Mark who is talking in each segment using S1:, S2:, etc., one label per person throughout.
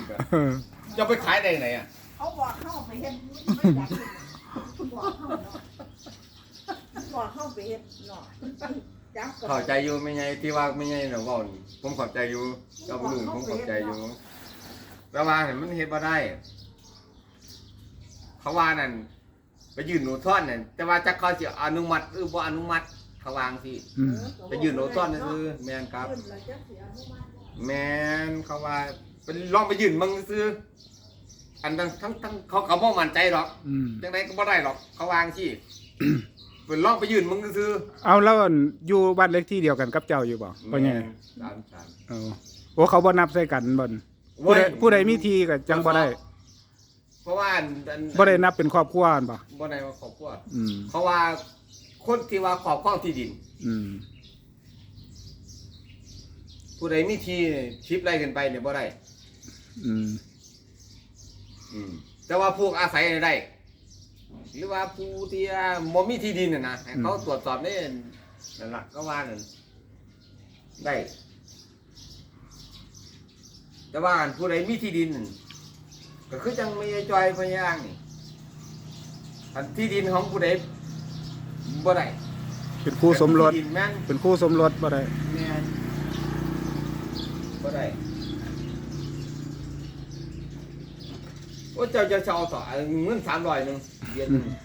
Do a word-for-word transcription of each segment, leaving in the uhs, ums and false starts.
S1: อีกอะจะไปขายได้ไหนอ่ะ
S2: เขาบอกเข้าไปเฮ็ดไม่อยากบอกเข้าเนาะบอกเข้าไปเฮ็ดเนาะ
S1: เข้าใจอยู่ไม่ไงที่ว่าไม่ไงเนาะว่าผมเข้าใจอยู่เจ้าลุงผมเข้าใจอยู่แต่ว่าเห็นมันเฮ็ดบ่ได้เขาว่านั่นไปยืนหนูท่อนนั่นแต่ว่าจักเขาสิอนุมัติหรือบ่อนุมัติเขาวางสิไปยืนหนูท่อนนั่นคือแม่นครับแม่นเขาว่าเป็นลองไปยืนมึงซื้ออันทั้งทั้งทั้งเขาเขาบ่มั่นใจหรอกจังไดก็บ่ได้หรอกเขาวางสิเป็นลองไปยืนมึงซื้อ
S3: เอาแล้วอยู่บ้านเล็กที่เดียวกันกับเจ้าอยู่บ่บ่ไง
S1: สามสาม
S3: เออโอ้เขาบ่นับใส่กันบ่ผู้ใดผู้ใดมีทีก็จังบ่ได้
S1: เพราะว่า
S3: บ่ได้นับเป็นครอบครัวบ่
S1: บ่ได้ว่าครอบครัว
S3: อืม
S1: เพราะว่าคนที่ว่าครอบครองที่ดิน
S3: อืม
S1: ผู้ใดมีที่ชิปไล่ขึ้นไปเนี่ยบ่ได้
S3: อืม
S1: อืมแต่ว่าพวกอาศัยได้หรือว่าผู้ที่บ่มีที่ดินน่ะนะให้เขาตรวจสอบได้นั่นล่ะก็ว่านั่นได้แต่ว่าผู้ใดมีที่ดินก็คือจังมีจอยพญางนี่อันที่ดินของผู้ใดบ่ได้
S3: เป็นคู่สมรส
S1: แม่น
S3: เป็นคู่สมรสบ่ได้
S1: แม่นบ่ได้โอ้เจ้าจะเช่าต่อเงินสามร้อยหนึ่งเดือนหนึ่ง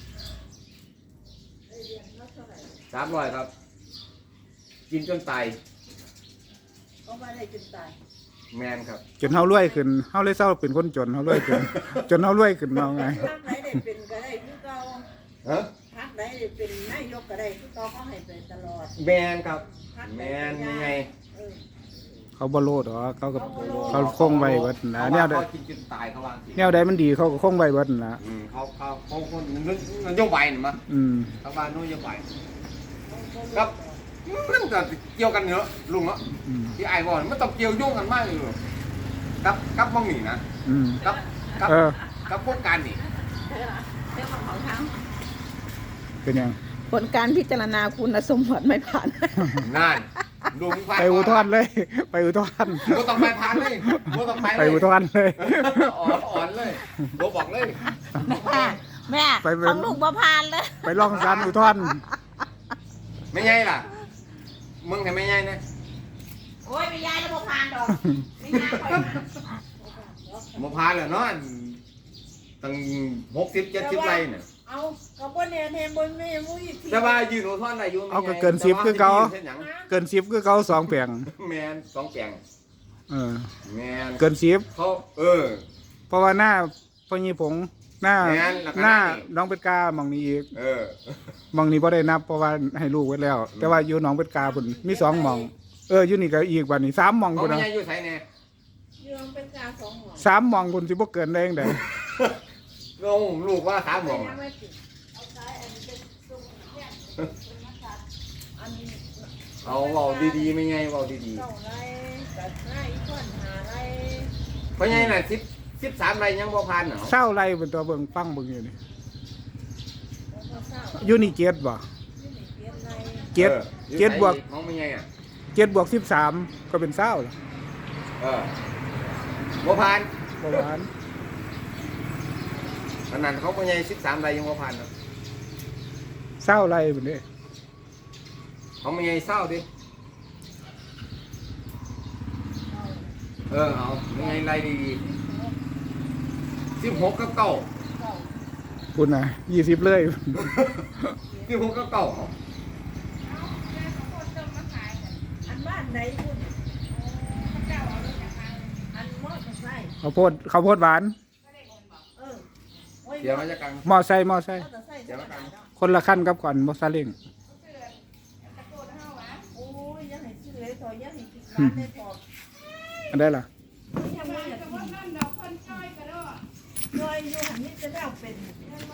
S1: สามร้อยครับกินจนตาย
S2: ก็ไม่ได้จนตาย
S1: แมนครับ
S3: จนเฮารวยขึ้นเฮาเลยเศร้าเป็นคนจนเฮารวยขึ้นจนเฮารวยขึ้นเอาไง
S2: พักไหนได้เป็นก็ได้คือเก่าฮะพักไหนได้เป็นนายกก็ได้คือเก่าเขาให้ไปตลอด
S1: แมนครับแมนยังไง
S3: เขาบ่โลดหรอเขาก็เขาคงไว้เบิดนะแนวใด
S1: กินจนตายเขาวาง
S3: แนวใดมันดีเขาก็คงไว้เบิดนะ
S1: อืมเขาเขาเขาคนนโยบายนี่มั้ย
S3: อืม
S1: เขาว่านโยบายครับมันก็เกี่ยวกันเนอะลุงเนาะที่ไอ้บอกมันต้องเกี่ยวโยงกันมากเลยกับกับมองหนีนะกับกับกับพวกการนี่
S3: เป็นยัง
S2: ผลการพิจารณาคุณสมบัติไม่ผ่าน
S1: นั่นลุง
S3: ไปอุทธรณ์เลยไปอุทธรณ์
S1: โบต้องไปผ่านเลยโบต้องไป
S3: ไปอุทธรณ์เลย
S1: อ่อนอ่อนเลยโบบอกเลย
S2: แม่แม่ของลุงบ่ผ่านเลย
S3: ไปร้องศาลอุทธรณ์
S1: ไม่ใช่ล่ะมึงทำไม่ใช่นะ
S2: โอ้ยไม่ใช่แล้วบ่ผ่านดอกไม่ใช่
S1: บ่ผ่านเลยเนาะตั้งหกสิบเจ็ดสิบไรเนี่ย
S2: เอากระบวนเนี่ยเทมบนไม่มุ้ย
S1: แต่ว่ายืนอุทธรณ์ได้อยู่
S3: เอาก็เกินสิบคือเขาเกินสิบคือเขาสองแปลง
S1: แมนสองแปลง
S3: เออ
S1: แมน
S3: เกินสิบ
S1: เขาเออ
S3: เพราะว่าหน้าพญีผงหน้าหน้าน้องเป็ดกามองนี้อีก
S1: เออ
S3: มองนี้พอได้นับเพราะว่าให้ลูกไว้แล้วแต่ว่าอยู่น้องเป็ดกาพุ่นมีสองมองเอออยู่นี่ก็อีกวันนี้สามมอง
S1: พุ่นนะ
S2: อยู่ไสแน่อยู่น้องเป็ดกาสองมอง
S3: สามมองพุ่นสิบ่เกินได้ยังไง
S1: ลงลูกว่าสามมองเอาเบาดีๆไม่ไงเบาดีๆเพราะไงน่ะสิบสิบสามไรยังบ่ผ่านเหรอ
S3: เศร้าไรเป็นตัวเบิ่งฟังเบิ่งอยู่นี่ยูนิเกียรบ่เกียรเกียรบวก
S1: น้องไม่ไงอ่ะ
S3: เกียรบวกสิบสามก็เป็นเศร้าเหรอ
S1: เออบ่ผ่าน
S3: บ่ผ่าน
S1: ขนาดเขาไม่ไงสิบสามไรยังบ่ผ่านเนาะ
S3: เศร้าไรแบบนี้
S1: เขาไม่ไงเศร้าดิเออเอาไม่ไงไรดีสิบหกกับเก้า
S3: คุณนะยี่สิบเลย
S1: สิบหกกับเก้า
S2: อันบ้านไหนคุณอันมอไซค์
S3: เขาโพดเขาโพดหวาน
S1: เดี๋ยวมันจะกัง
S3: มอไซค์มอไซค์คนละขั้นกับก่อนมอซาเล้งอันได้ล่ะ
S2: จอยอยู่หันนี้จะได้เอาเป็น